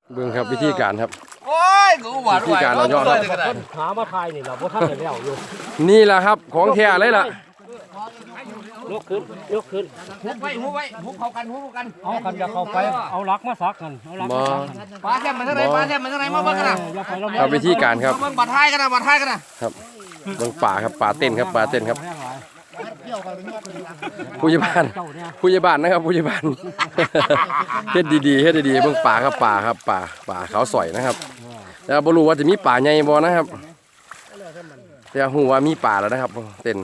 เบิ่งครับวิธีการครับโอ้ยกูหวานวิธีการเราย่อครับหามาทายนี่เราบ่ทันได้แล้วอยู่นี่แหละครับของแท้เลยล่ะยกขึ้นยกขึ้นหุบไว้หุบเข้ากันหุบกันเอากันจะเข้าไปเอาลักมาซักกันเอาลักมาซักกันปลาแซ่บมันเท่าไรปลาแซ่บมันเท่าไรมาเบิ่งกันนะอย่าไปแล้วครับวิธีการครับเบิ่งบัดท้ายกันนะบัดท้ายกันนะครับเบิ่งป่าครับป่าเต้นครับป่าเต้นครับแห้งหลายผู้ใหญ่บ้านเจ้าเนี่ยผู้ใหญ่บ้านนะครับผู้ใหญ่บ้าน เฮ็ดดีๆเฮ็ดดีๆเบิ่งป่าครับป่าครับป่าเขาสอยนะครับแต่บ่รู้ว่าจะมีป่าใหญ่บ่นะครับแต่ฮู้ว่ามีป่าแล้วนะครับเต้น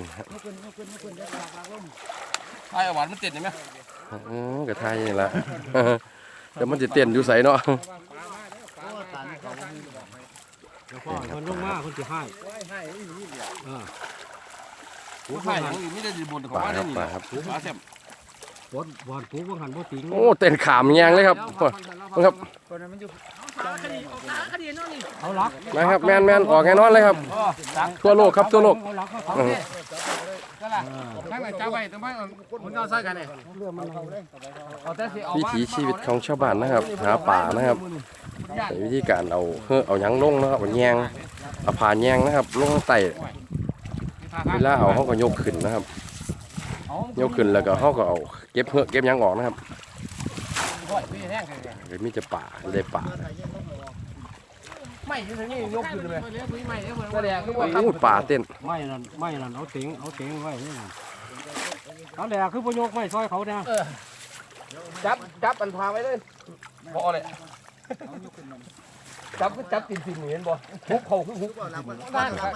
ไอ้หวานมันติดเห็นไหมก็ทายนี่ล่ะ แต่มันสิเต้นอยู่ไสเนาะคนลงมาคนสิให้กูถ่ายอย่างนี้ไม่ได้ดีบนของป่าว่าคได้รับนี่ป่าครับปลาแซ่บบอลปูบ่หันบ่ติงโอ้เต้นขามแยงเลยครับครับเอาลักนะครับแม่นออกแน่นอนเลยครับทั่วโลกครับทั่วโลกเอาลักมาซักก็ล่ะข้างไหนจ้าไว้ตรงไหนมันเอาใส่กันเนี่ยเอาแต่สิเอาวิถีชีวิตของชาวบ้านนะครับหาป่านะครับวิธีการเอาหยังลงนะครับเอาแยงเอาผ่าแยงนะครับลงไต่เวลาเอาเขาก็ยกขึ้นนะครับยกขึ้นแล้วก็เขาก็เอาเก็บหยังออกนะครับเดี๋ยวมีจะป่าเลยป่าไม่ที่นี่ยกขึ้นเลยไม่ก็แดงก็ว่าโอ้ป่าเต้นไม่นั่นเอาติงไว้นี่น่ะเอาแหละคือบ่ยกไม้ซอยเขาเนี่ยจับอันพาไว้เลยพอเลยจับก็จับติ่นเห็นบ่หุบเขาคือหุบบ้านครับ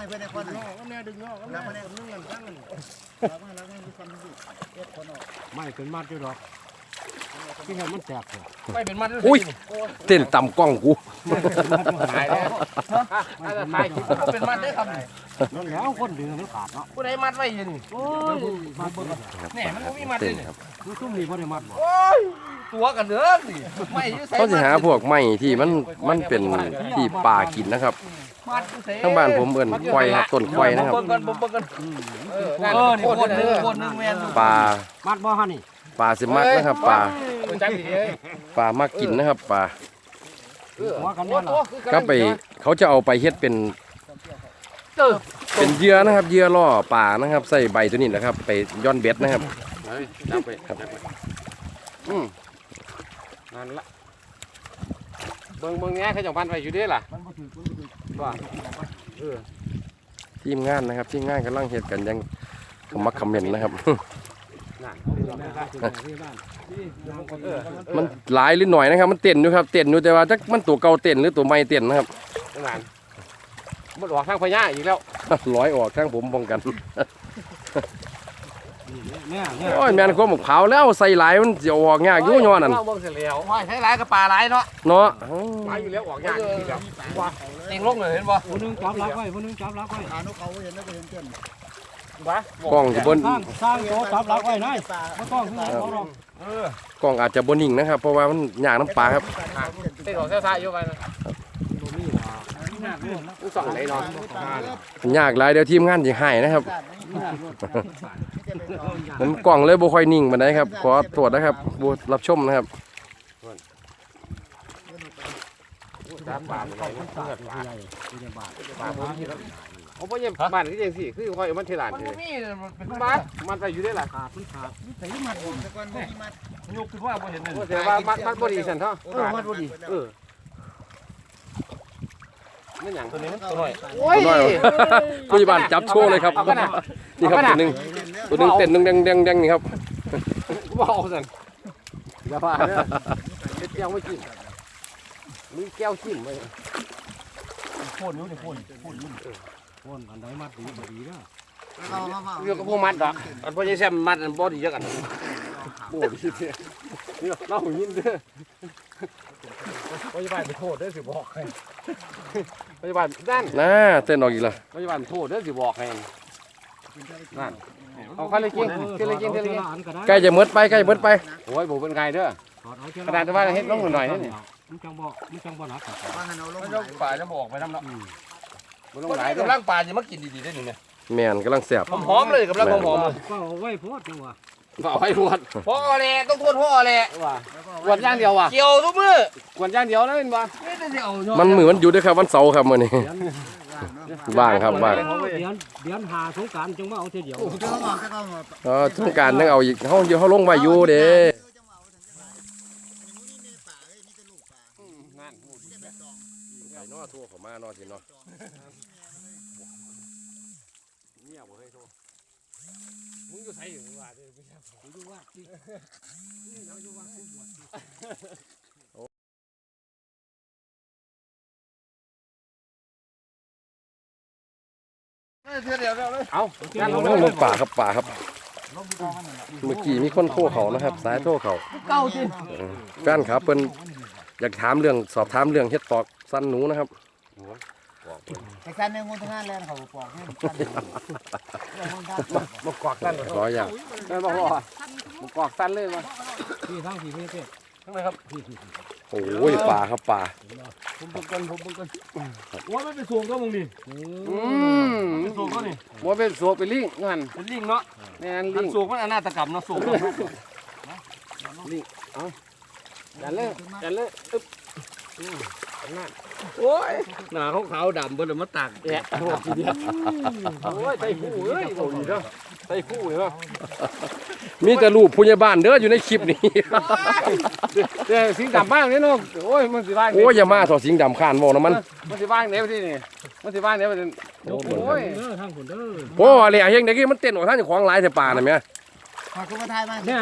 ไม่เป็นมัดอยู่ดอกที่ให้มันแตกเลยไม่เป็นมัดอุ้ยเต้นต่ำกล้องกูหายแล้วหายคิดว่าเป็นมัดได้ครับนั่นแล้วคนดึงมันขาดเนาะผู้ใดมัดไว้ยินโอ้ยมัดเบิ่งเนี่ยมันมีมัดเต้เลยนครับคือซุ่มนี่บ่ได้มัดบ่โอ้ยตัวกันเด้อสิไม่อยู่ใส่เขาจะหาพวกไม้ที่มันเป็นที่ป่ากินนะครับมัดอยู่ใส่ทั้งบ้านผมเอิ้นควายครับต้นควายนะครับเบิ่งกันนี่โคตรนึงแม่นป่ามัดบ่ฮะนี่ป่าสิมักนะครับป่าจังสิเอ้ยป่ามักกินนะครับป่าหัวกันเนี่ยล่ะก็ไปเขาจะเอาไปเฮ็ดเป็นเหยื่อนะครับเหยื่อล่อป่านะครับใส่ใบตัวนี้นะครับ ไปย้อนเบ็ดนะครับจับไปนั่นละเบิ่งแง่เขาจังพันไว้อยู่ด้ล่ะว่าทีมงานนะครับทีมงานกำลังเฮ็ดกันอยังขมักเขม้นนะครับ มันหลายหรือหน่อยนะครับ มันเต้นอยู่ครับเต้นอยู่แต่ว่าจักมันตัวเก่าเต้นหรือตัวใหม่เต้นนะครับนั่นมันออกทางพญาอีกแล้วร้อยออกข้างผมป้องกันเนี่ยโอ้ยแม่นความขาวแล้วใส่หลายมันจะออกยากอยู่ย้อนนั่นเบิ่งเสียแล้วว่าใช้หลายกับปลาหลายเนาะเนาะปลาอยู่แล้วออกยากอีกแล้วว่าเองลงเลยเห็นบ่ผู้นึงจับลักไว้ผู้นึงจับลักไว้กล้องจะบนสร้างโตจับลักไว้นายบ่ต้องคือเขาหรอกกล้องอาจจะบนนิ่งนะครับ เพราะว่ามันยากน้ำปลาครับเต้นออกซ่าๆอยู่ไปนะตัวนี้ล่ะผู้สองไหนเนาะยากหลายเดี๋ยวทีมงานจะหายนะครับ ผมกล่องเลยบ่ค่อยนิ่งปานใดครับขอตรวจนะครับบ่รับชมนะครับจับปลาเลยผู้ใหญ่ผู้ใหญ่บ้านปลาบ่มีแล้วโอ้บ่ยังบ้านคือจังซี่คือค่อยมันเทลานเลยเป็นบ้านมันไปอยู่ได้ล่ะขาดมันขาดยกคือว่าบ่เห็นเลยแต่ว่ามันบ่ดีซั่นเถาะมันบ่ดีมันหยังตัวนี้มันตัวน้อยโอ้ยผู้ใหญ่บ้านจับโชว์เลยครับนี่ครับตัวหนึงเต้นหนึงแดงๆนี่ครับบ่เอาซั่นอย่าว่าเด้อเฮ็ดแก้วไม่กินมีแก้วกินไว้โคตรอยู่นี่โคตรคนอันใดมัดดีบ่ดีเด้อเรื่องกับพวกมัดดอกอันบ่ใช่แซมมัดอันบ่ดีจักอันบ่ดีเด้อนี่เล่ายินเด้อพยาบาลไปโทษเด้อสิบอกให้พยาบาลนั่นน่าเต้นออกอีกแล้วพยาบาลโทษเด้อสิบอกให้นั่นเอาคันเลยกินกินเลยกินเลยกินใกล้จะหมดไปโอ้ยบ่เป็นไงเด้อกระดาษว่าเฮ็ดลงหน่อยนี่มันจังบ่หนักมันต้องป่าจะบอกไปนำเนาะบ่ต้องหลายเด้อกำลังป่าจะมากินดีๆได้นี่แม่แม่นกำลังแซ่บหอมๆเลยกำลังหอมๆเลยก็เอาไว้โพดจังว่าเอาให้ทวดพ่อแหละต้องทวดพ่อแหละว่ากวนย่างเดียวว่ะเกี่ยวทุกมือกวนย่างเดียวนะเป็นบ่ไม่ได้สิเอาเนาะมันมือมันหยุดด้วยครับวันเสาร์ครับมื้อนี้ว่างครับว่างเดือนหาสงกรานต์จึงมาเอาทีเดียวสงกรานต์ต้องเอาอีกเฮาลงไว้อยู่เด้ ไก่นอทั่วเขามานอสิเนาะมึงอยู่ไสอยู่ว่าเด้อมึงอยู่ว่าสิอยู่ว่ากูบวชเอาลงป่าครับป่าครับ เมื่อกี้มีคนโทรเขานะครับ สายโทรเขาเก้าจิแฟนครับเพิ่นอยากถามเรื่องสอบถามเรื่องเฮ็ดปอกสั้นหนูนะครับไอ้การในงูทั้งนั้นแลนเขาปอกให้มากอกสั้นขออย่างแม่บอกว่ามากอกสั้นเลยมาพี่ทั้งพี่พี่พี่ทั้งไหนครับโอ้ยป่าครับป่าผมบึงกันว่าไม่ไปสูงก็มึงดิเป็นสูงก็นี่บ่เป็นสูงเป็นลิงงั้นเป็นลิงเนาะแม่นลิลิงงสูงมันอนาตกรรมเนาะสูงยันเลยยันเลยอึ๊บโอ้ยหน้าขาวๆดำเบิ่นมาตากแดดโอ้ทีเดียวโอ้ยไตคู่เอ้ยบ่ดีเด้อไตคู่เหรอมีแต่รูปผู้ใหญ่บ้านเด้ออยู่ในคลิปนี้เดี๋ยวสิงดำบ้างนี่เนาะโอ้ยมันสิบ้างโอ้ยอย่ามาถอดสิงดำข้านเว้านะมันมันสิบ้างเนี่ยที่นี่มันสิบ้างเนี่ยมันโอ้ยเด้อทางคนเด้อโอ้อะไรเฮงเด็กมันเต้นออกทางเจ้าของหลายแต่ป่าน่ะแม่ฝากคุณมาทายมาเนี่ย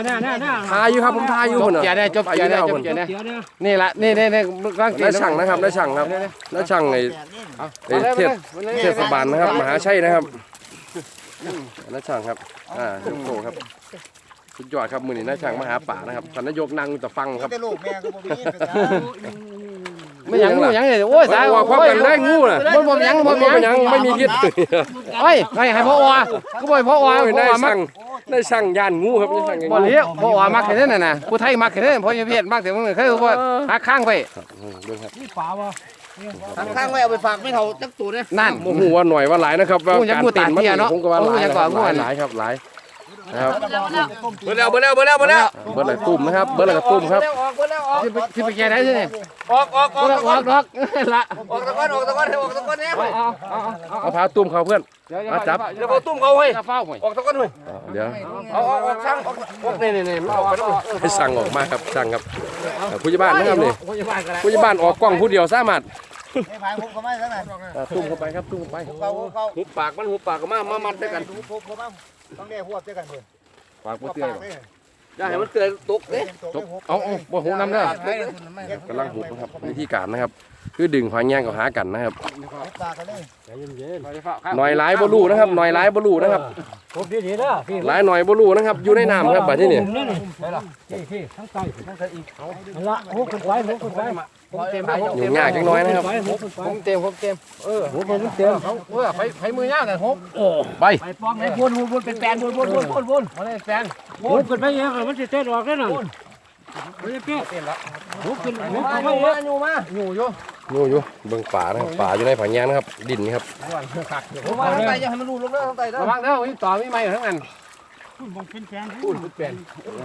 ทายอยู่ครับผมทายอยู่จบพุ่นน่ะเกียร์ได้จบเกียร์ได้จบเกียร์ได้เดี๋ยวเนี่ยนี่ละนี่ร่างเกียได้ร์ช่างนะครับได้ช่างครับได้ช่างไอ้ เทศบาลนะครับมหาชัยนะครับน้าช่างครับยกโตครับสุดยอดครับมือนี้น้าช่างมาหาป่านะครับท่านนายกนั่งจะฟังครับแต่ลูกแม่ก็บ่มีเป็นจ้าไม่ยังงูยังเลยโอ้ยสายว่าความกันได้งูน่ะบ่ยังบ่บ่ยังไม่มีคิดโอ้ยให้พ่อว่าก็บ่พ่อว่าโอ้ยพ่อได้ว่ามัช่าก งได้ช่างย่านงูครับได้ช่างบ่เลี้ยพ่อว่ามักแค่นั้นน่ะผู้ไทยมักแค่นั้นพ่อยังเพศมักแต่มึงเคยว่าหักข้างไปเบิ่งครับนี่ป่าวะข้างไว้เอาไปฝากไม่เท่าจักตัวเนี่ยนั่นโมโหว่าหน่อยว่าหลายนะครับว่างูยังการงูเต้นมันตาเตี้ยเนาะผมก็ว่าหลายงูยังนะกคว่ารับงูหลายน่ะหลายครับหลายนะครับเบิดแล้วเบิดแล้วเบิดแล้วเบิดแล้วเบิร์ดอะไรตุ่มนะครับเบิร์ดอะไรตุ่มครับออกเบิดแล้วออกที่ไปแก่ได้ใช่ไหมออกออกออกออกดอกละออกตะก้อนออกตะก้อนออกตะก้อนเนี่ยเอาพาตุ่มเขาเพื่อนเดี๋ยวเดี๋ยวเอาตุ้มเขาเฮ้ยจะเฝ้าหน่อยออกตะก้อนเฮ้ยเดี๋ยวเอาออกช่างออกนี่มันออกไปแล้วให้สั่งออกมาครับสั่งครับผู้ใหญ่บ้านนะครับนี่ผู้ใหญ่บ้านกันแล้วผู้ใหญ่บ้านออกกล้องผู้เดียวสามารถไม่พายผมก็ไม่ทั้งนั้นตุ่มเข้าไปครับตุ่มเข้าไปเขาหุบปากมันหุบปากก็มามัดด้วยกันผมบ้างต้องได้หัวเจอกันเพื่อนปากบ่เตี้ยหรอกอย่าให้มันเกิดตกเด้เอาบ่หูน้ำเด้อกำลังหุบนะครับวิธีการนะครับ คือดึงหอยแยงกับหากันนะครับปากกันเลยใจเย็นหน่อยหลายบ่รู้นะครับหน่อยหลายบ่รู้นะครับๆผมดีๆเด้อพี่หลายหน่อยบ่รู้นะครับอยู่ในน้ำครับบัดนี้นี่พี่ทั้งใต้ทั้งใต้อีกนั่นละโอ้ขึ้นไปโอ้ขึ้นไปผมเต็มยุ่งยากจังน้อยนะครับไปโอ้ขึ้นไปผมเต็มโอ้เป็นเต็มไฟมือยาวแต่ฮบไปไปป้อมไหนวนเป็นแปลนวนมาเลยแฟนโอ้ขึ้นไปเองมันจะเต้นออกได้น่ะมันจะเปี้ยเต็มแล้วโอ้ขึ้นอยู่ไปมาเองอยู่อยู่อยู่เบิ่งป่านะครับป่าอยู่ในผาแยงนะครับดินนี่ครับผมว่าทั้งไตจะให้มันรู้ลงแล้วทั้งไตนะระวังเด้อวิ่งต่อวิ่งไม่ทั้งนั้นมองเป็นแฟนพูดเปลี่ยน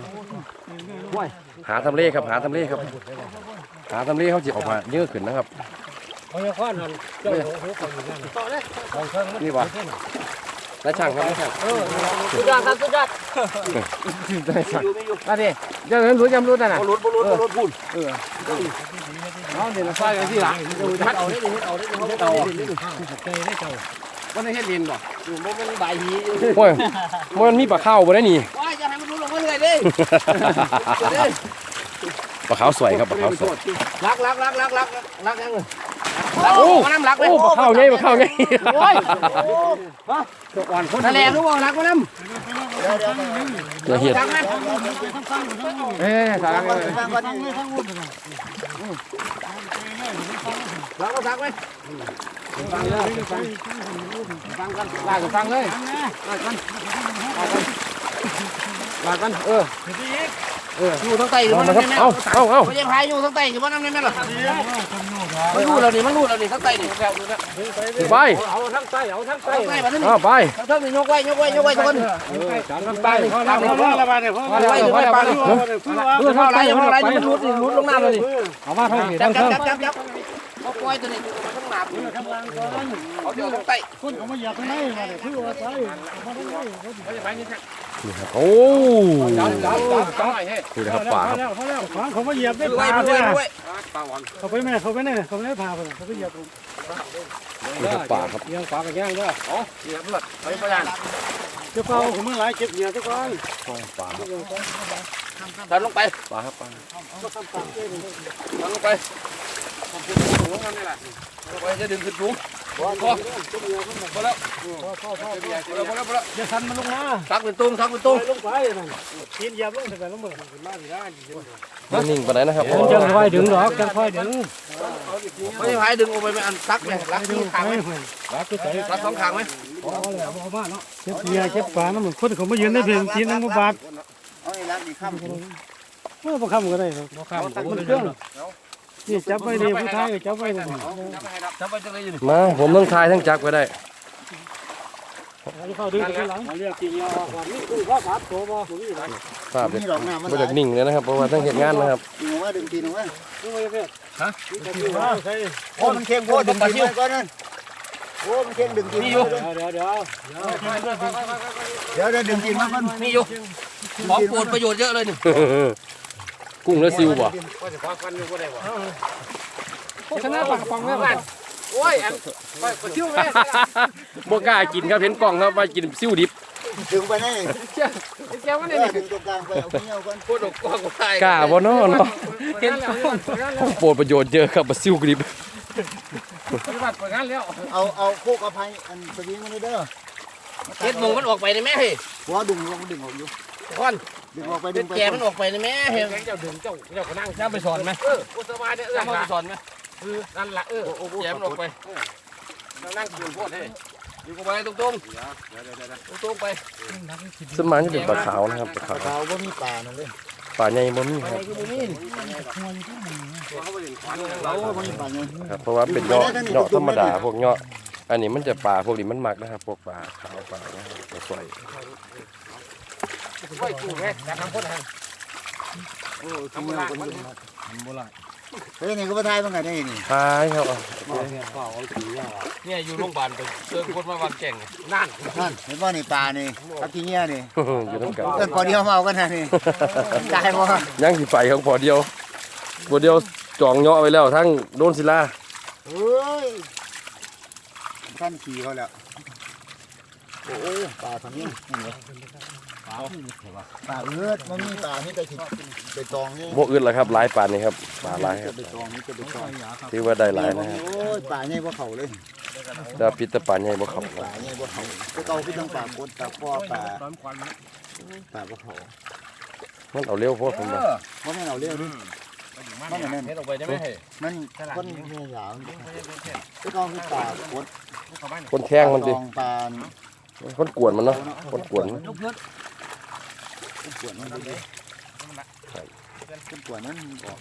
หาทำเลครับหาทำเลครับหาทำเลเขาจะออกมาเยอะขึ้นนะครับเขาจะคว้านั่นเจ้าโอ้โหอยู่นั่นต่อเลยนี่วะนายช่างครับนายช่างสุดยอดครับสุดยอดมาดิเดี๋ยวนั้นรู้จำรู้นั่นน่ะรถพูดเอาเดี๋ยวเราใส่กันที่หลังมัดเอาได้ดิเอาได้ดิเอาได้ดิใจได้เจ้ามันให้เฮ็ดดินบ่มันเป็นใบหีโอ้ยมันมีปลาข้าวบ่ได้นี่ว้ายจะให้มันรู้ลงมาเลยดิปลาขาวสวยครับปลาขาวสวยรักยังเลยโอ้น้ำรักเลยโอ้ปลาข้าวไงปลาข้าวไงโอ้ยอ่อนคนทะเลรู้บ่รักมันน้ำอย่าเหี้ยจังนั้นสารังฟังก่อนรักก็รักไหมฟังเลยฟังกันลากกันฟังเลยลากกันอยู่ทางใต้หรือว่าน้ำแม่เอาไม่ใช่พายอยู่ทางใต้หรือว่าน้ำแม่หรอมันรู้แล้วนี่ทางใต้นี่ไปเอาทั้งใต้เอาทั้งใต้ทางใต้มาที่นี่เอาไปทางนี่ยกไว้ทุกคนทั้งใต้พอแล้วบ้านเนี่ยพอแล้วไว้ปลาดิเพื่อเข้าไรเข้าไรมันรุดลงน้ำเลยเอามาทั้งนี้จัทั้บงจัเทิบงจับเขาปล่อยตัวนี้ทั้งน้ำเขาเดี๋ยวทางใต้คนเขาไม่อยากให้มาเลยคือว่าใต้นี่ครับโอ้นี่นะครับป่าครับพอแล้วเขาไม่เหยียบได้ด้วยปลาด้วยเนี่ยด้วยเขาไปแม่เขาไปเนี่ยเขาไม่ได้พาไปเขาไปเหยียบนี่ครับป่าครับยังปลากันย่างด้วยอ๋อเหยียบเลยไปพยานเจ้าเป่าผมไม่หลายเก็บเหยียบทุกคนป่าครับดันลงไปป่าครับป่าดันลงไปลงนั่นนี่แหละไปจะดึงขึ้นสูงพอแล้วพอแล้วจะทันมันลงมาซักเป็นตุ้งซักเป็นตุ้งลงไปนั่นกินเหยียบลงแต่ลงมือมาดีได้มันนิ่งไปไหนนะครับจังค่อยดึงดอกจังค่อยดึงไม่ใช่พายดึงออกไปไม่อันซักเลยรักที่ขางไหมรักก็ใจรักสองขางไหมพอแล้วพอมาเนาะเก็บเหยียบเก็บปลาน้ำมันคนเขามายืนได้เพียงกินน้ำบาดเอาไอ้รักนี่ข้ามเมื่อประคำก็ได้ประคำมันเครื่องนี่จับไว้ดีผู้ชายจับไว้ดีจับไปจังเลยอยู่นี่มาผมต้องทายทั้งจักรไว้ได้เข้าดึงข้างหลังเรียกกินยาความนี่คือข้าวผัดโตบ่ผมนี่ไรภาพมีดอกน้ำมันมาจากนิ่งเลยนะครับเพราะว่าทั้งเหตุงานนะครับดึงว่าดึงตีนว่าดูไว้เพื่อนฮะใช่โอ้มันเค็มโคตรดึงตีนก่อนนั่นโอ้มันเค็มดึงตีนเดี๋ยวดึงตีนมาก่อนมีอยู่ของโปรดประโยชน์เยอะเลยนี่กุ้งและซิวบ่โฆษณาปังปังแม่บ้านโอ้ยอันไปคิ้วแม่บ่กล้ากินครับเห็นกล่องครับว่ากินซิวดิบดึงไปนั่นแก้วมันนี่ดึงตรงกลางไปเอาเงี้ยวก่อนโคตรกว้างกว้างกล้าบ่เนาะเนาะเห็นโปรดประโยชน์เยอะครับว่าซิวดิบเอาโคกอภัยอันสวิงมันเด้อเห็ดหมูมันออกไปในแม่เฮ้ยหัวดึงออกอยู่ควันดึงออกไปเป็ดึนงไปแกมันออกไปในแม่เฮ้ยเจ้าดึงเจ้าก็นั่งเจ้าไปสอนไหมกุศลมาเนี่ยเอื้อมสอนไหมนั่นละแกมันออกไปนั่งกินโคตรเฮ้ยอยู่กับไปตรงไปสวนมากจะเป็นปลาขาวนะครับปลาขาวเราบ่มีป่านั่นเลยปลาใหญ่บ่มีครับเราบ่มีป่าเงินครับเพราะว่าเป็นเนาะธรรมดาพวกเนาะอันนี้มันจะปลาพวกนี้มันมักนะครับพวกปลาขาวปลานะครับปลาสวยไว้กูแม่แต่ทำคนทางโอ้ทำโบราณเฮ้ยนี่ก็บ่ทายมันไงได้นี่ท้ายครับเนี่ยอยู่โรงพยาบาลไปเจอคนมาวันแก่งนั่นนั่นเห็นบ่นี่ป่านี่ทับทีเงี้ยนี่อยู่น้ำกันเอิ้นพอเดียวมาเอากันนะนี่ตายบ่ยังสิไปของพอเดียวพอเดียวจองเนาะไว้แล้วทั้งโดนศิลาเฮ้ยท่านขี่เขาแล้วโอ้ป่าทำนี่ป่าเลือดมันมีป่านี่แต่ไปตองนี่บ่อื่นละครับหลายปานนี่ครับปลาหลายครับไปตองนี่จะไปตองถือว่าได้หลายนะครับโอ้ยป่าใหญ่บ่เขาเลยแต่ปิดแตะปลาใหญ่บ่เข้าป่าใหญ่บ่เขาก็เก่าคือทั้งป่ากดป่าพ่อป่าบ่เขามันเอาเร็วโพดผมว่าเพราะมันเอาเรื่องนี่มันนั่นเห็ดออกไปได้ไหมเฮ้ยมันคนเหี้ยหยาวก็เก่าคือป่ากดคนแข้งมันดิตองป่าคนกวนมันเนาะคนกวนมันกวนมันดิกวนนั้นบอก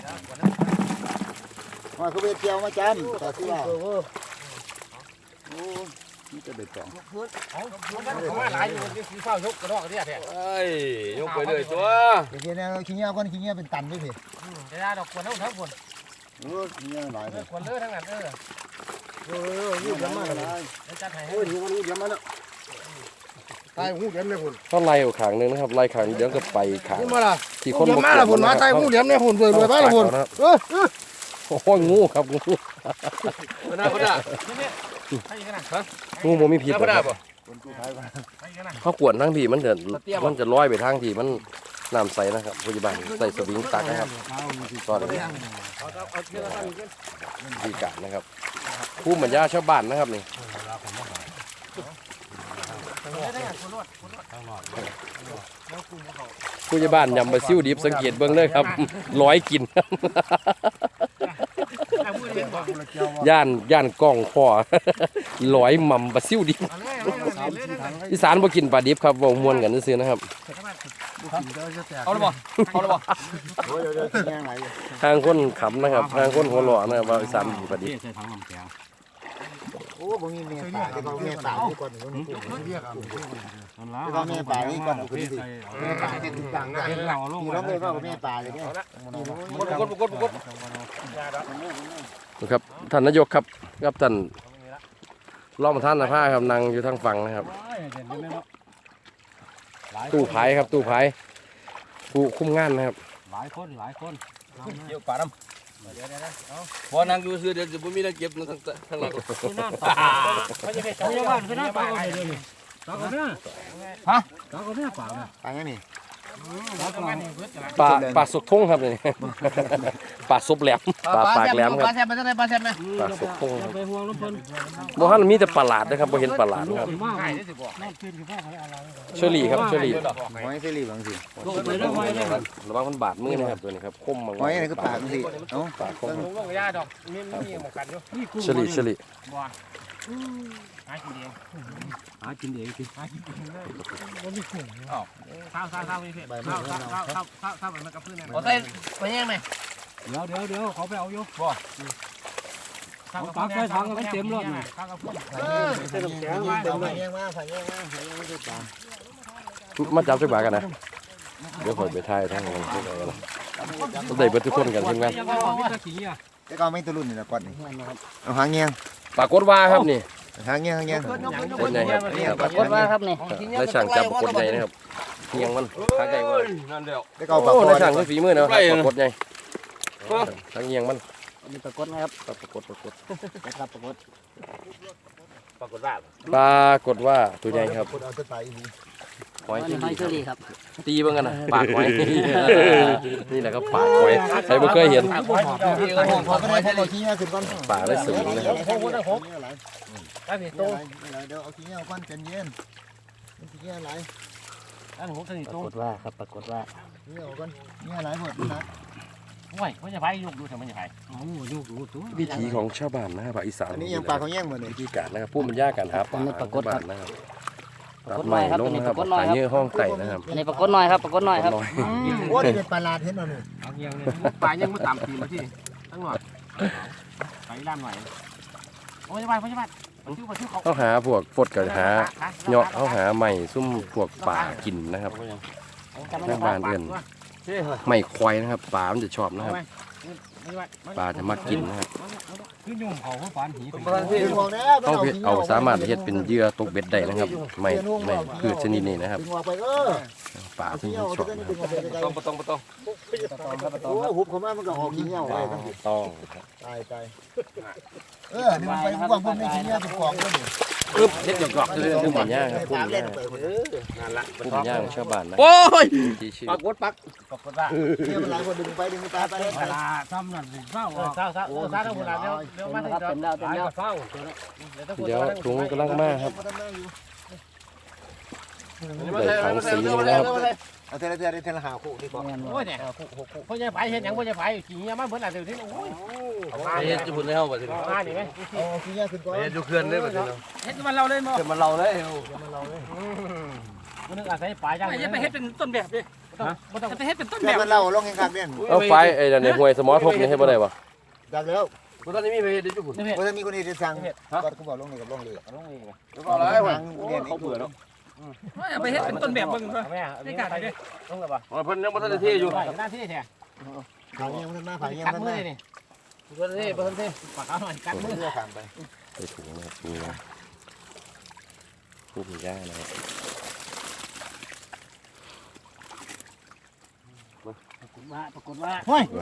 ว่าเขาไปเที่ยวมาจำแต่ที่ว่าโอ้นี่จะเด็ดตองเขามาหลายอยู่ที่เฝ้ายกกระดอกเนี่ยแท้เอ้ยยกไปเลยตัวเดี๋ยวเนี่ยขี้เงี้ยก้อนขี้เงี้ยเป็นตันด้วยสิจะได้ดอกกวนทั้งคนโอ้ขี้เงี้ยหลายเลยกวนเลือทั้งนั้นนี่เดี๋ยวมาเลยจัดให้โอ้ยนี่มันเดี๋ยวมาแล้วตายหูเดี๋ยวเลยพุ่นเขาไล่เอาขางหนึงนะครับไล่ขางเดี๋ยวก็ไปขางมาละที่คนเดี๋ยวมาละพุ่นมาตายหูเดี๋ยวเนี่ยพุ่นเบื่อมาละพุ่นโอ้ยงูครับงูคนหน้าคนหน้างูบ่มีพิษคนหน้าครับป่ะเขากวนทั้งที่มันจะลอยไปทางที่มันน้ำใสนะครับพยาบาลใส่สวิงตักนะครับตอนนี้วิธีการนะครับผู้บรรยาชาวบ้านนะครับนี่ผู้ใหญ่บ้านยำบะซิ่วดิบสังเกตเบื้องเลยครับร้อยกินครับย่านกล้องพ่อร้อยหม่ำบะซิ่วดิบอีสานบ่กินปลาดิบครับบ่ม่วนกันซื่อๆนะครับเอาละบ่เอาละบ่โอ้ยเดี๋ยวกินยังไงทางคนขำนะครับทางคนหัวหล่อนะครับว่าอีสานดีประดิษฐ์ใส่ถังน้ำแข็งโอ้บ่มีเมียป่าที่เขาเมียป่าที่ก่อนเรียกเอานั่นละที่เขาเมียป่านี่ก่อนคือสิเเมียป่าที่ติดต่างกันป็นเราลงที่เราเลยว่าเมียป่าเลยเนี่ยกดนะครับท่านนายกครับกับท่านรองประธานสภาครับนั่งอยู่ทางฝั่งนะครับตู้ไผ่ครับตู้ไผ่ผู้คุมงานนะครับหลายคนหลายคนเกี่ยวป่าน้ำพอนั่งอยู่ซื้อเดี๋ยวจะไม่มีอะไรเก็บนั่งข้างหลังคือน้าตาเขาจะไปเขาจะบ้านคือน้าตาเลยเลยตาคนนี้ฮะตาคนนี้ป่าเนี่ยป่ายังนี่ปลาสุกทงครับนี่ ปลาซุปแหลมปลาปากแหลมครับปลาแซ่บมันจะได้ปลาแซ่บไหมปลาสุกทงไปห่วงน้ำเพิ่นบ่ฮั่นมีแต่ปลาหลาดนะครับบ่เห็นปลาหลาดนะครับมากน่ากินคือพ่อเขาอะไรเชอรี่ครับเชอรี่หอยเสรีบางสิลงไปเรื่องไว้เลยระวังมันบาดมือนะครับตัวนี้ครับคมมากหอยอะไรก็ปากสิเอ้าปากคมลงกับยาดอกมีหมกกันอยู่นี่กุ้งเชอรี่เชอรี่หากินเองหากินเองกินข้าวมีเผ็ดข้าวมันกับพื้นเนี่ยใส่ไปยังไงเดี๋ยวเขาไปเอาอยู่ปักใส่ถังมันเต็มรถข้าวกับพื้นเต็มแขนมาแย่งมาผ่าแย่งมาผ่าแย่งมาด้วยป่ามาจับจักบากันนะเดี๋ยวข่อยไปถ่ายทางนั้นทุกคนนะต้องได้เบิดทุกคนกันทีมงานแต่ก็ไม่ตะลุ่นนี่ละก่อนนี่เอาหางเงี้ยปรากฏว่าครับนี่หางเงี้ยหางเงี้ยเป็นไงครับปรากฏว่าครับนี่ได้ช่างจับปรากฏใหญ่นะครับเพียงมันทางใหญ่ว่านั่นเดียวแต่ก็ปากโอ้คอได้ช่างคือฝีมือเนาะปรากฏใหญ่ทางเงียงมันมีปรากฏนะครับปรากฏนะครับปรากฏว่าปรากฏว่าตัวใหญ่ครับคนเอาตัวไปอีกหอยที่หอยเชอรี่ครับตีเบิ่งกันนะปากหอยนี่แหละครับปากหอยใครบ่เคยเห็นพอไม่ได้พอขี้เงี้ยขึ้นก่อนปากได้สูงนะครับได้ผิดโตตัวเดี๋ยวเอาขี้เงี้ยก่อนใจเย็นขี้เงี้ยไหลอันหัวสนิทปตัราว กฏว่าครับปรากฏว่าขี้เงี้ยก่อนเงี้ยไหลหมดนะโอ้ยมันจะไปยกดูแต่มันจะไปโอ้ยกดูตัววิถีของชาวบ้านนะครับภาคอีสานอันนี้ยังปลาเขาแย่งหมดเลยวิธีการนะครับผู้บรรยายการหาปลาของบ้านนะครับตัดไม้ลงนะครับหาเนื้อห้องไต่นะครับอันนี้ปรากฏน้อยครับปรากฏน้อยครับน้อยโอ้ยเป็นปลาลาดเห็นหน่อยเอาเงี้ยเลยปลายังไม่ต่ำทีมาที่ตั้งหน่อยไปด้านหน่อยโอ้ยไปไปชื่อเขาเขาหาพวกฟดกับหาเหาะเขาหาใหม่ซุ่มพวกป่ากินนะครับทางบ้านเอื่นไม่ควายนะครับปลามันจะชอบนะครับปลาจะมักกินนะครับคือยุ่งเขาเขาฝันหีเอาสามารถเฮ็ดเป็นเหยื่อตกเบ็ดได้นะครับไม่พืชชนิดนี้นะครับดึงออกไปปลาที่ขี้เงี้ยชอบจะนะดึงออกไปไกลต้องโอ้หุบเขามามันก็ออกขี้เงี้ยไปทั้งต้องตายนี่มันไปพวกพวกนี้ขี้เงี้ยเป็นของด้วยนี่เด็ดหยอกๆเลยผู้บรรยายครับผู้บรรเล่ยายนไปคนผู้บรรยายของชาวบ้านนะโอ้ยที่ชื่อปรากฏปรากฏว่าเนี่ยมันหลายคนดึงไปดึงไปไปเวลาทำนั่นเศร้าเศร้าทั้งหมดแล้วเดี๋ยวมาถึงเต็มแล้วเต็มแล้วเศร้าเดี๋ยวถุงกำลังมาครับได้ถังสีนี่นะครับเอาเทละหาคู่ดีกว่าโอ้ยเนี่ยพ่อใหญ่ไปเห็นยังพ่อใหญ่ไปขี่เงี้ยมาเหมือนอะไรที่โอ้ยเฮ็ดจะพุ่นให้เฮาบ่ถึงมาดิไหมเอาขี้เงี้ยขึ้นก่อนเฮ็ดอยู่เขื่อนเลยบ่ถึงเฮ็ดมันเราเลยมั้งเขื่อนมันเราเลยมันนึกอาศัยปลาย่างอย่าไปเฮ็ดเป็นต้นแบบดิไม่ต้องอย่าไปเฮ็ดเป็นต้นแบแม่บมันเล่าลงแข่งขันเนี่ยเอาไฟไอ้นั่นในห้วยสมอทบนี่ให้บ่ได้บ่จากแล้วบ่ทันได้มีไปเฮ็ดอยู่พุ่นเพราะถ้ามีคนที่จะสั่งก็เขาบอกลงเลยกับลงเลยแล้วก็อะไรวะเขาเบื่อแล้วอย่าไปเฮ็ดเป็นต้นแบบมึงแม่นี่การดิต้องเลยป่ะเพิ่นยังบ่ทันได้เทอยู่หน้าที่แท้ผ่านเงี้ยมันมาผ่านเงี้ยกัดมันมือมานี่เพิ่นที่ปากเอาหน่อยกัดมือเพื่อผ่านไปใส่ถุงนะครับนี่นะผู้บรรยายนะครับปรากฏว่าเฮ้ย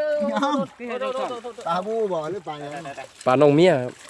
ตาปลาบูบ่หรือปลาอย่างปลาน้องเมียครับ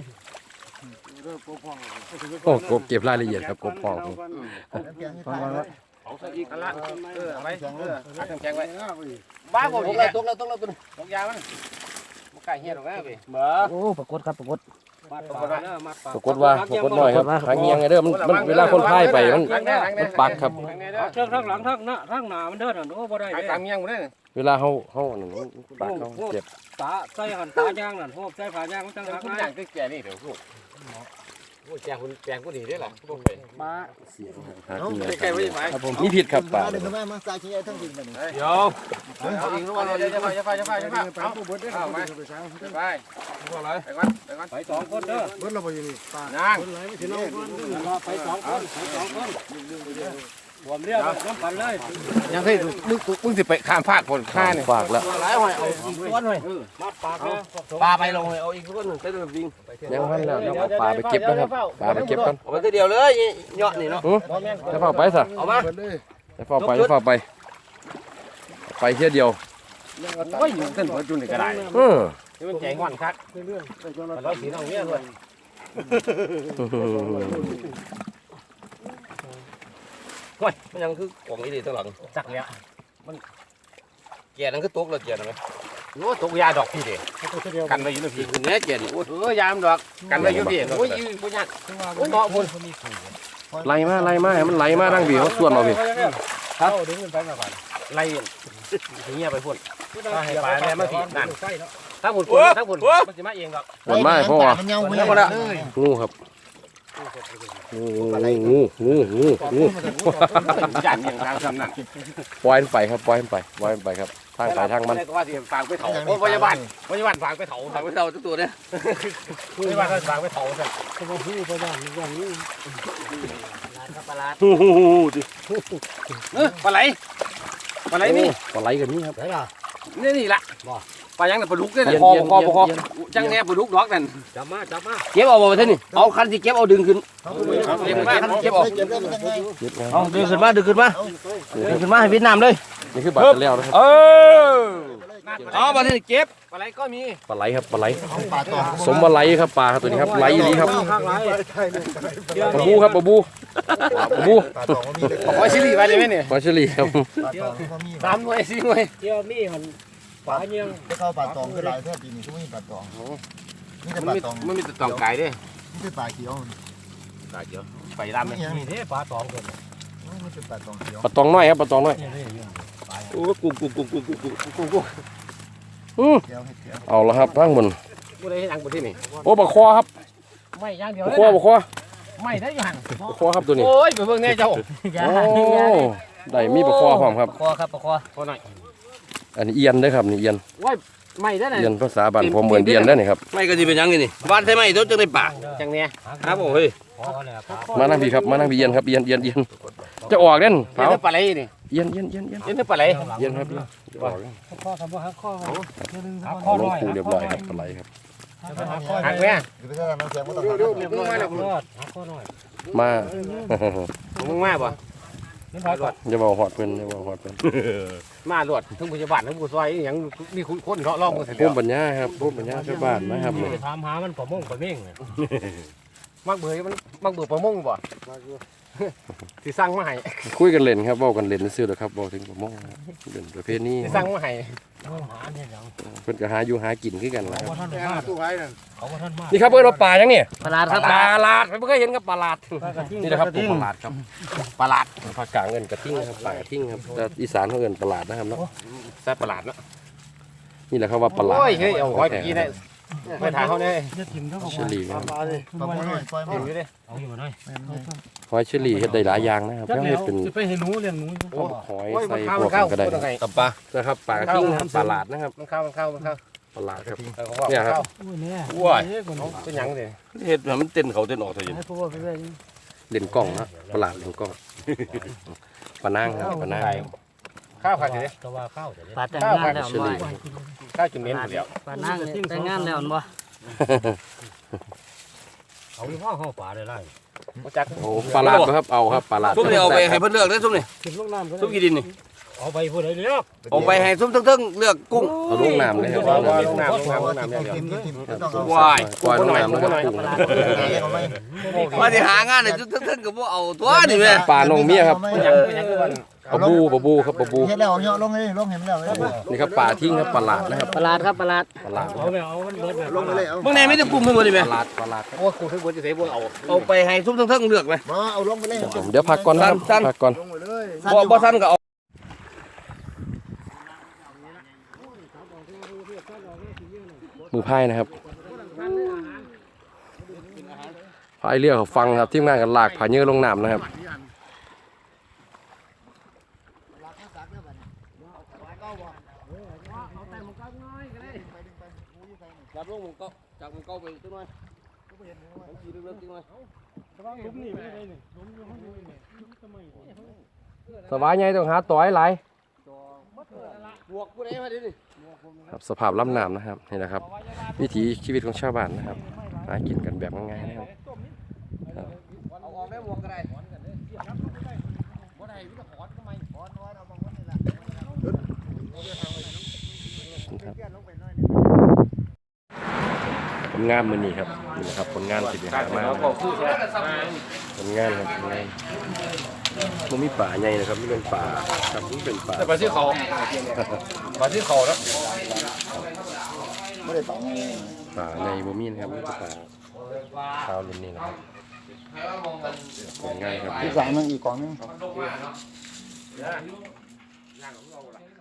โอ้กบเก็บรายละเอียดครับกบพองเอาซะอีกอันละเอาไว้แข็งเลยแข็งไว้บ้าบ่ตกแล้วตกยามันบ่ไก่เหี้ยหรอกนะพี่บ่โอ้ปรากฏครับปรากฏปรากฏว่าหน่อยครับหางเงียงไงเด้อมันเวลาคนพายไปมันปักครับเชือกทั้งหลังทั้งหน้าทั้งหน้ามันเดินหันโอ้บ่ได้ไอ้ตามเงี้ยบ่ได้เวลาเขานั่นปักเขาเจ็บตาใส่หันตายางนั่นโหบใส่ผายางมันจังหักคุณนะอย่างตึกแก่นี่เดี๋ยวลูกโอ้แจงคุณแจงก็ดีได้หรอต้องไปมาหากินใกล้ๆไว้ไหมครับผมนี่ผิดครับป่าเดี๋ยวแม่มาใส่ชิ้นใหญ่ทั้งดินแบบนี้เดี๋ยวเอาอีกแล้วเราจะไปเอาไปไปพวกอะไรไปก่อนไปก่อนไปสองคนเด้อเบิ้ลเราไปอยู่นี่ปลานั่งไปสองคนรวมเรียกน้ำกันเลยยังเคยมึงสิไปข้ามภาคคนข้าเนี่ยฝากแล้วหลายหอยเอาอีกก้อนหอยมาปากเนี่ยปลาไปลงเอาอีกก้อนหนึ่งไปเดินวิ่งยังพันแล้วเดี๋ยวเอาปลาไปเก็บนะครับปลาไปเก็บกันเอาไปเดียวเลยเยาะนี่เนาะจะเฝ้าไปซะเอามาจะเฝ้าไปจะเฝ้าไปไปเที่ยวเดียวโอ้ยอยู่เส้นหัวจุนนี่ก็ได้ นี่มันใจงอนคักเราสีน้องเนี่ยด้วยโอ้ยมันยังคือกล่องอีดีตัวหลังจักแล้วมันแก่นั่นคือตกแล้วแก่นั่นไหมโอ้ตกยาดอกพี่เด็กันไว้อยู่ในพี่คืนนี้แก่ดิโอ้ยยามดอกกันไว้อยู่พี่โอ้ยยืนปุญญ์โอ้ยเหมาะพุ่นไล่มาให้มันไหลมาดังบีเขาส่วนเราพี่ครับดึงขึ้นไปมาก่อนไล่เงี้ยไปพุ่นถ้าให้ปลาแม่มาพี่นั่นใกล้เนาะถ้าพุ่นถ้าพุ่นมันจะมาเองดอกหมดไม้เพราะว่ามันเงาเลยงูครับงูยันอย่างทางซ้ำนั่นปล่อยมันไปครับปล่อยมันไปครับทางไปทางมันว่าที่ฝากไปเถาโอ้พยาบาลฝากไปเถาถามไปเท่าตัวเนี่ยพยาบาลฝากไปเถาสั่นก็มาพูดไปได้อย่างนี้ปลาไหลนี่ปลาไหลกันนี่ครับได้ล่ะนี่ละปลายังแต่ปลาดุกเนี่ยคอจังแน่ปลาดุกดอกนั่นจับมาเก็บเอาบ่ไปท่านี่เอาคันที่เก็บเอาดึงขึ้นเก็บมาเก็บออกเก็บได้มันยังไงเอาดึงขึ้นมาให้เวียดนามเลยนี่คือบาดแล้วนะครับเอามาที่เก็บปลาไหลก็มีปลาไหลครับปลาไหลปลาตองสมปลาไหลครับปลาครับตัวนี้ครับไหลอย่างนี้ครับข้างไรปลาบูครับปลาบูปลาตองก็มีเลยขอชิลีไปได้ไหมเนี่ยปลาเฉลี่ครับปลาตองก็มี 3 หน่วย 4 หน่วยเที่ยวมีมันปลาเนียงจะเข้าปลาตองก็หลายแท้ปีนี้ทุกมีปลาตองนี่แต่ปลาตองมันมีแต่ตองไก่ด้วยนี่คือปลาเขียวไก่เยอะไปดำเลยนี่นี่เด้ปลาสองคนมันเป็นปลาตองเขียวปลาตองน้อยครับปลาตองน้อยโอ้กุ้งเขียวให้เขียวเอาละครับทั้งหมดกูได้ยังบนที่นี่โอ้ปลาคอครับไม่ย่างเดียวปลาคอปลาคอไม่ได้ย่างปลาคอครับตัวนี้โอ้ยไปเบิ่งแน่เจ้าโอ้ได้มีปลาคอพร้อมครับคอครับคอพอหน่อยอันนี้เอียนเด้อครับนี่เอียนไม่ได้ไหนเอียนภาษาบ้านผมเหมือนเอียนได้อนี่ครับไม่ก็จะเป็นยังไงนี่บ้านใช่ไหมตัวจะได้ปากจังเนี้ยครับผมเฮ้ยคอเลยครับมานั่งพี่ครับมานั่งพี่เอียนครับเอียนจะออกเด่นเห็นเผาปลาไหลนี่เอียนเห็นปลาไหลเอียนครับจะออกคอคำว่าหักคอหักคเอาอลน้งอยปูเรียบร้อยครับปลาไหลครับหักคอหักไหมหรือไปถ้าน้ำเสียงก็ต้องรอดหักคอน้อยมามึงมาบ่นี่พอก่อนอย่าบอกหอดเพิ่นอย่าบอกหอดเพิ่นมาหลวดทั้งผู้ชาวบ้านทั้งผู้ซอยอย่างมีคนเขาล่องกันเสร็จภูแล้วมิปัญญาครับภูมิปัญญาชาวบ้านนะครับไปถามหามันประมงประเม่งมักเบื่อมันมักเบื่อประมงบ่สิสั่งมาให้คุยกันเล่นครับเว้ากันเล่นซื่อๆเด้อครับเว้าถึงประมงครับเล่นประเภทนี้สิสั่งมาให้หาเนี่ยยังเพิ่นก็หาอยู่หากินคือกันนะคเขารับท่านมากตู้ไว้นั่นเขาท่านมากนี่ครับเพิ่นว่าปลาจังนี่ปลาครับปลาลาดไม่เคยเห็นครับปลาลาดนี่นะครับปลาลาดครับปลาภาคกลางเอิ้นกระทิ่งนะครับปลากระทิ่งครับแต่อีสานเขาเอิ้นปลาลาดนะครับเนาะแซ่บปลาเนาะนี่แหละครับว่าปลาลาดโอ้ยเฮ้ยเอาไว้กี่ได้ไปถ่ายเขาเนี่ยจะถิ่มเท่ากับเชอรี่ครับปลาหน่อยปล่อยเห็มานอยู่ดิเอาอยู่หน่อยหอยเชอรี่เฮ็ดได้หลายอย่างนะครับแล้วเฮ็ดเป็นจะไปให้หนูเลี้ยงหนูหอยโอ้ยใส่มันพวกเข้าก็ได้มันเข้ากับปลานะครับปลากระทิ่งนะครับปลาลาดนะครับมันเข้าปลาลาดครับเนี่ยครับโอ้ยเนี่ยเป็นยังเลยเห็ดมันเต้นเขาเต้นออกเถอะให้พวกไปเลยเล่นกล้องนะปลาลาดเล่นกล้องปลานางครับปลานางข้าวผัดเลยก็ว่าเข้าแต่ปลาแต่งงานแล้วเชอรี่ข้าวจุ่มเน้นเดียวปลานั่งเนี่ยแต่งงานแล้วบ่เอาอยู่ห้องป่าได้ไรจักโอ้ปลาลาดบ่ครับเอาครับปลาลาดซุปนี่เอาไปให้เพื่อนเลือกได้ซุปนี่ขึ้นลงน้ำก็ซุปกี่ดินนี่เอาไปพูดอะไรเลือกเอาไปให้ซุปทั้งเลือกกุ้งเอาลงน้ำเลยครับว่าลงว่าน้ำลงน้ำลงน้ำลงน้ำเดียวกินต้องเอาวายปล่อยลงน้ำแล้วครับกุ้งเอาไหมมาที่หางานเนี่ยซุปทั้งกับพวกเอาตัวนี่แม่ปลานงเมียครับยังคือวันปลาบูครับปลาบูเฮ็ดแล้วเหาะลงเลยลงเห็นแล้วนี่ครับปลาทิ้งครับปลาลาดนะครับปลาดครับปลาดปลาลาดเอาไปเอามันเบิดแบบลงไปเลยเอาเมื่อไหร่ไม่ได้กุ้งทั้งหมดนี่ปแม่ลาลาดปลาลาดโอ้คุณคือบัวจะเสียบัวเอาเอาไปให้ซุปทั้งเลือกไหมมาเอาลงไปเลยเดี๋ยวพักก่อนนะครับพักก่อนลงไปเลยบ่สั้นก็เอามือไพ่นะครับพายเรือเขาฟังครับทีมงานกันลากผาเยอะลงน้ำนะครับรับลงมันก็จากมันก็ไปตัวน้อยมันขี่เรือตัวน้อยลุมนี่ไม่ได้นี่ลุมอยู่ข้างบนนี่ทำไมสบายไงต้องหาต่อยหลายบวกผู้ใดมาดินี่ครับสภาพลำน้ำนะครับนี่แหละครับ วิถีชีวิตของชาวบ้านนะครับหากินกันแบบง่ายๆนะครับเอาออกได้บวกก็ได้ผลงานมือนี้ครับนี่นะครับผลงานที่ได้หามาผลงานครับผลงานมันมีป่าใหญ่นะครับนี่เป็นป่าครับนี่เป็นป่าแต่ปลาที่เขาปลาที่เขาแล้วไม่ได้ต่อป่าในบ่มีนะครับนี่เป็นป่าชาวรุ่นนี้นะครับผลงานครับที่สามนึงอีกกล่องนึง